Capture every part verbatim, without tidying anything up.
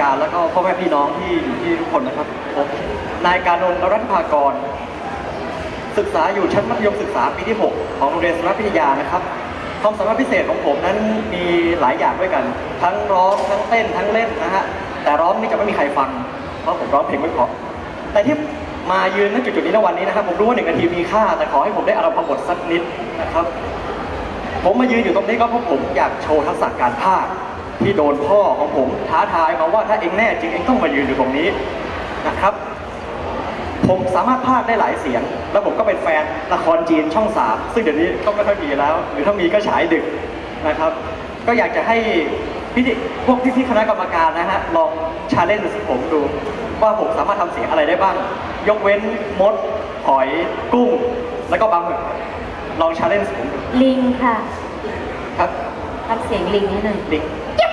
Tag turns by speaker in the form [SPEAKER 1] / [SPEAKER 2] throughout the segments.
[SPEAKER 1] การแล้วก็พ่อแม่พี่น้องที่อยู่ที่ทุกคนนะครับผมนายการนนท์รัตนภากรศึกษาอยู่ชั้นมัธยมศึกษาปีที่หกของโรงเรียนสารพิทยานะครับความสามารถพิเศษของผมนั้นมีหลายอย่างด้วยกันทั้งร้องทั้งเต้นทั้งเล่นนะฮะแต่ร้องนี่จะไม่มีใครฟังเพราะผมร้องเพลงไม่เพราะแต่ที่มายืนณจุดๆนี้ในวันนี้นะครับผมรู้ว่าหนึ่งนาทีมีค่าแต่ขอให้ผมได้อารมณ์พบทสักนิดนะครับผมมายืนอยู่ตรงนี้ก็เพราะผมอยากโชว์ทักษะการพากย์ที่โดนพ่อของผมท้าทายมาว่าถ้าเองแน่จริงเองต้องมายืนอยู่ตรงนี้นะครับผมสามารถพากย์ได้หลายเสียงแล้วผมก็เป็นแฟนละครจีนช่องสามซึ่งเดี๋ยวนี้ก็ไม่ค่อยมีแล้วหรือถ้ามีก็ฉายดึกนะครับก็อยากจะให้พี่พวกพี่ๆคณะกรรมการนะฮะลองชาเลนจ์ผมดูว่าผมสามารถทำเสียงอะไรได้บ้างยกเว้นมดหอยกุ้งแล้วก็ปลาหมึกลองชาเลนจ์ผมดู
[SPEAKER 2] ลิงค่ะ
[SPEAKER 1] ครับ
[SPEAKER 2] ทำเสียงลิงนิดหนึ่ง
[SPEAKER 1] ลิง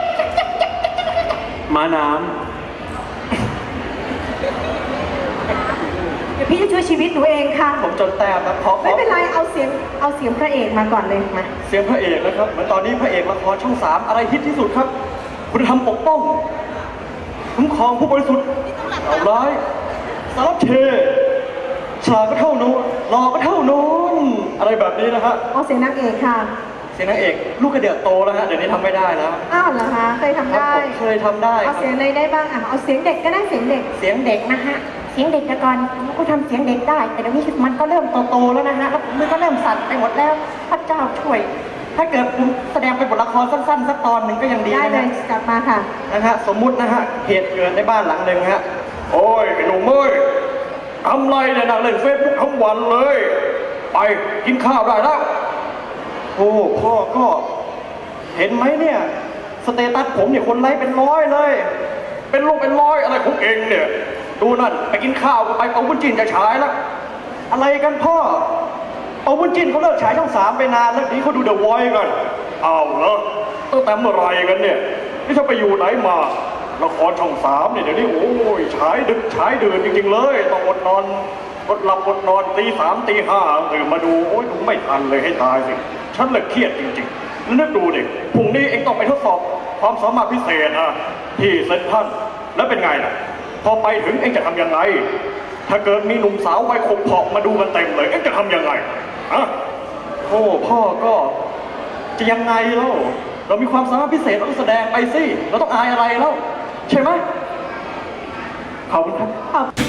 [SPEAKER 3] ม้าน้
[SPEAKER 4] เดี๋ยวพี่จะช่วยชีวิตหนูเองค่ะ
[SPEAKER 1] ผมจนแต้มนะเพราะ
[SPEAKER 4] ไม่เป็นไรเอาเสียงเอาเสียงพระเอกมาก่อนเลยมา
[SPEAKER 1] เสียงพระเอกนะครับเหมือนตอนนี้พระเอกละครช่องสามอะไรฮิตที่สุดครับคุณธรรมปกป้องคุ้มครองผู้บริสุทธิ์เอาร้ายสารเชฉลาดก็เท่านู้นหล่อก็เท่านู้นอะไรแบบนี้นะฮะ
[SPEAKER 4] เอาเสียงนางเอกค่ะ
[SPEAKER 1] เสียงนางเอกลูกกระเดือกโตแล้วฮะเดี๋ยวนี้ทำไม่ได้แล้ว
[SPEAKER 4] อ้าวเหรอคะเคยทำได้
[SPEAKER 1] เคยทำได้
[SPEAKER 4] เอาเสียงอะไรได้บ้างอ่ะเอาเสียงเด็กก็ได้เสียงเด็ก
[SPEAKER 2] เสียงเด็กนะฮะเสียงเด็กแต่ก่อนผมก็ทำเสียงเด็กได้แต่เดี๋ยวนี้มันก็เริ่มโตๆแล้วนะฮะแล้วมือก็เริ่มสั่นไปหมดแล้วพระเจ้าช่วยถ้าเกิดผมแสดงเป็นบทละครสั้นๆสักตอนหนึ่งก็ยังดี
[SPEAKER 4] ได้เลยกลับมาค่ะ
[SPEAKER 1] นะฮะสมมุตินะฮะเหตุเกิดในบ้านหลังหนึ่งฮะโอ้ยหนุ่มเอ้ยทำไรเนี่ยนั่งเล่นเฟซบุ๊กทั้งวันเลยไปกินข้าวได้แล้วโอ้พ่อก็เห็นไหมเนี่ยสเตตัสผมเนี่ยคนไลค์เป็นร้อยเลยเป็นลูกเป็นร้อยอะไรของเองเนี่ยดูนั่นไปกินข้าวก็ไปเอาวุ้นจินจะฉายแล้วอะไรกันพ่อเอาวุ้นจินเขาเลิกฉายช่องสามไปนานแล้วนี้เขาดูเดอะวอยซ์กันอ้าวเหรอตั้งแต่เมื่อไรกันเนี่ยนี่ถ้าไปอยู่ไหนมาละครช่องสามเนี่ยเดี๋ยวนี้โอ้ยฉายดึกฉายดื่นจริงๆเลยต้องอดนอนอดหลับอดนอนตีสามตีห้าตื่นมาดูโอ้ยดูไม่ทันเลยให้ตายสิฉันเลยเครียดจริงๆแล้วนึกดูดิพรุ่งนี้เองต้องไปทดสอบความสามารถพิเศษอ่ะที่เซนทรัลแล้วเป็นไงล่ะพอไปถึงเองจะทำยังไงถ้าเกิดมีหนุ่มสาววัยขบเพาะมาดูกันเต็มเลยเองจะทำยังไงอะโอ้พ่อก็จะยังไงเล่าเรามีความสามารถพิเศษเราต้องแสดงไปสิเราต้องอายอะไรแล้วใช่ไหมขอบคุณครับ